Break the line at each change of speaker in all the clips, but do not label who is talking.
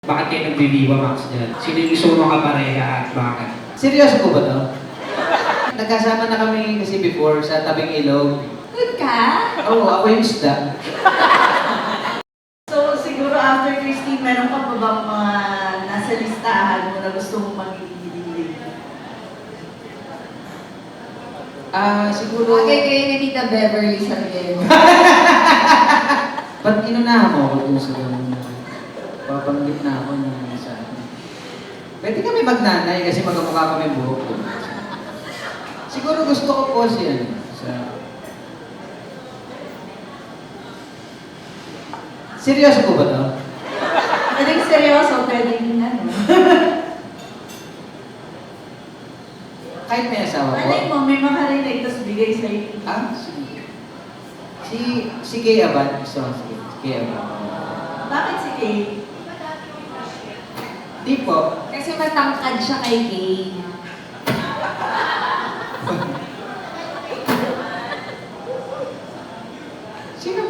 Bakit kayo nagbi-Viva Max dyan? Sino yung gusto mo makapareha at bakit?
Seryoso po ba to? Nagkasama na kami kasi before sa tabing ilog.
Good ka?
Oo, ako yung isda.
So, siguro after Christine, meron ka pa bang mga nasa listahan mo na gusto mong magiging lead?
Siguro...
Okay, kayo ni Tita Beverly Sargento.
Ba't inunahan mo ako dun sa ganun? Papanggit na ako na sa akin. Pwede kami magnanay kasi magkamukha kami buhok. Siguro gusto ko po siya sa... Seryoso po ba to?
Pwedeng seryoso, pwedeng ano.
Kahit may asawa po.
Alay mo, may makarinig, tapos bigay sa'yo.
Sige. Si Kay Abad. Gusto ko si Kay Abad.
Bakit si Kay?
Di po.
Kasi matangkad siya kay Kay.
Sino?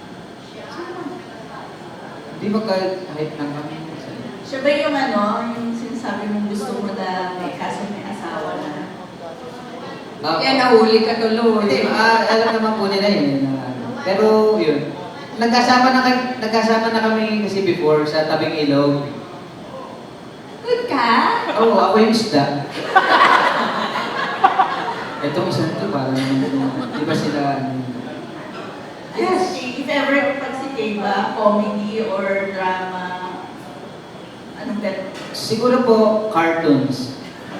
Di ba kahit ng kami?
Siya ba yung ano, yung sinasabi mong gusto mo na may kaso may asawa na?
Kaya nahuli ka tuloy.
Hindi, alam naman po nila yun. Pero yun, nagkasama na kami kasi before sa tabing ilog.
Good ka?
Oo, ako yung isda. Itong isa ito, parang, di ba sila,
Yes. If ever pag si Kay ba, comedy or drama, anong better?
siguro po, cartoons.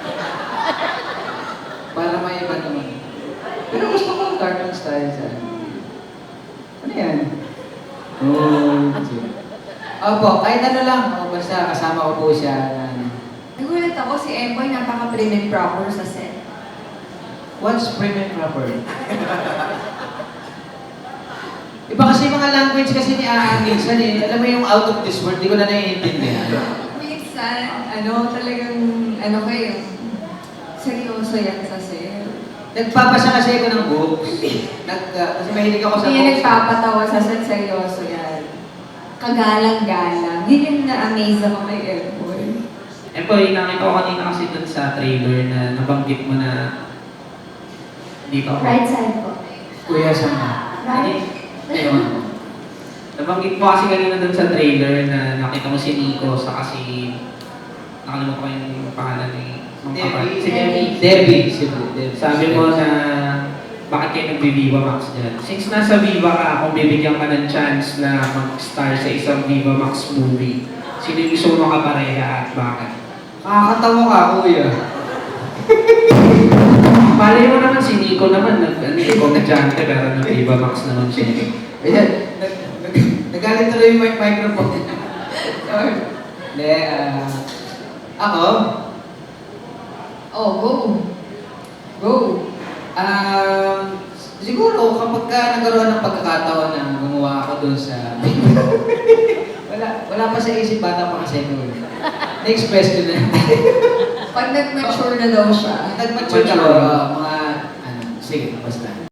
Para may iba naman. Pero gusto ko cartoons tayo sa ano yan? Oh, opo, kahit ano lang. O, basta kasama ko po siya.
Nagulat ako si Emboy, napaka-prim and proper sa set.
What's prim and proper? Iba kasi mga language kasi ni minsan eh. Alam mo yung out of this world, di ko na naiintindihan.
Minsan, talagang, kayo, seryoso yan sa set.
Nagpapasa kasi ako ng books. Kasi mahilig ako sa
Hindi yan
books.
nagpapatawa sa set, seryoso yan. Kagalang-galang. Yun yung na-amaze ako kay Emboy.
Nakita ko kanina kasi dun sa trailer na nabanggit mo na dito ako.
Right side po.
Kuya Sama.
Right.
Ayun.
Nabanggit mo kasi kanina dun sa trailer na nakita mo si Nico sa kasi nakalimutan ko yung pangalan ni
Debbie.
Si Debbie.
Debbie.
Sabi mo na bakit kayo nagbi-Viva Max dyan? Since nasa Viva ka, kung bibigyan ka ng chance na mag-star sa isang Viva Max movie, sino yung gusto mo makapareha at bakit?
Kakatawa ka, kuya.
Palay mo naman si Nico naman, komedyante pero nag-Viva Max naman siya.
Ayan, nagalit tuloy yung microphone. Hindi, ako?
Oh, go. Go.
Siguro kapag ka nagkaroon ng pagkakataon na gumawa ako dun sa... wala pa sa isip, bata pa kasi ko. Next question na.
Pag nag-mature na daw siya.
Nag-mature ako, mga, sige, basta.